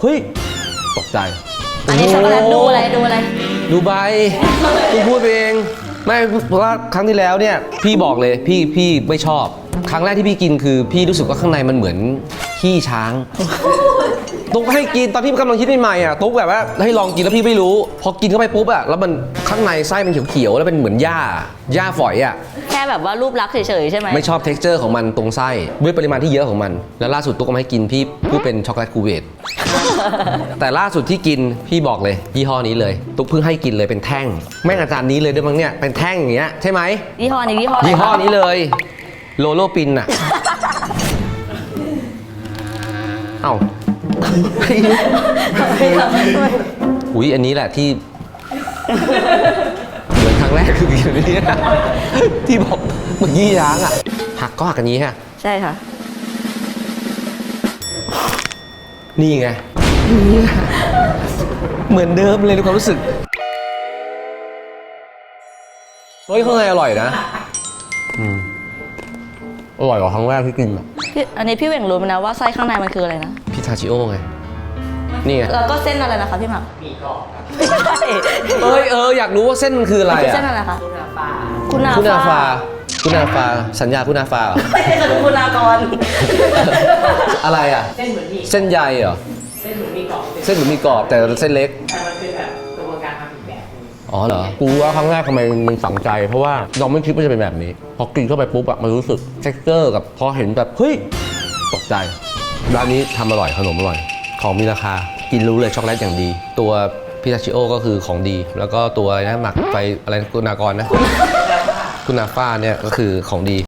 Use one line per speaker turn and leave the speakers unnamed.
เฮ้ยตกใจ
อันนี้ช็อกโกแลตดูอะไร
ดูใบกูพูดเองไม่เพราะว่าครั้งที่แล้วเนี่ยพี่บอกเลยพี่ไม่ชอบครั้งแรกที่พี่กินคือพี่รู้สึกว่าข้างในมันเหมือนขี้ช้างตุ๊กให้กินตอนที่กำลังคิดใหม่ๆอ่ะตุ๊กแบบว่าให้ลองกินแล้วพี่ไม่รู้พอกินเข้าไปปุ๊บอ่ะแล้วมันข้างในไส้มันเขียวๆแล้วเป็นเหมือนหญ้าฝอยอ่ะ
แค่แบบว่ารูปลักษณ์เฉยๆใช่ไหม
ไม่ชอบ texture ของมันตรงไส้ด้วยปริมาณที่เยอะของมันแล้วล่าสุดตุ๊กก็มาให้กินพี่พูดเป็นช็อกโกแลตคูเวต แต่ล่าสุดที่กินพี่บอกเลยยี่ห้อนี้เลยตุ๊กเพิ่งให้กินเลยเป็นแท่งแม่งอาจารย์นี้เลยด้วยมั้งเนี่ยเป็นแท่งอย่างเงี้ยใช่ไหม
ยี่ห้อนี้ยี่ห้อ
นี้เลยโลโลปินอ่ะเอ้าอุ๊ยอันนี้แหละที่เหมือนครั้งแรกคือกินอันนี้ที่บอกเหมือนยี่ย้างอ่ะหักก็หักกันนี้ฮะ
ใช่ค่ะ
นี่ไงเหมือนเดิมเลยในความรู้สึกเฮ้ยข้างในอร่อยนะอร่อยกว่าครั้งแรกที่กินอ่ะ
อันนี้พี่เหว่งรู้ไหมนะว่าไส้ข้างในมันคืออะไรนะ
พิทาชิโอไงนี่ไง
แล้วก็เส้นอะไรนะคะพี่หมักมีกรอบ
อยากรู้ว่าเส้นมันคืออะไรอ่ะ
เส้นอะไรคะคุณา
ฟาสัญญาคุณาฟา
คุณากร
อะไรอ่ะเส้นใยเหรอเส้นเหมือนมีกรอบแต่เส้นเล็ก
แต่มันคือแบบกระบวนการทำอีกแบบนึง
อ๋อเหรอกูว่าครั้งแรกทำไมมันฝังใจเพราะว่าเราไม่คิดว่าจะเป็นแบบนี้พอกินเข้าไปปุ๊บอะมันรู้สึก texture กับพอเห็นแบบเฮ้ยตกใจร้านนี้ทำอร่อยขนมอร่อยของมีราคากินรู้เลยช็อกโกแลตอย่างดีตัวพิทาชิโอก็คือของดีแล้วก็ตัวนะหมักไฟอะไรคุณากรนะคุณาฟ้าเนี่ยก็คือของดี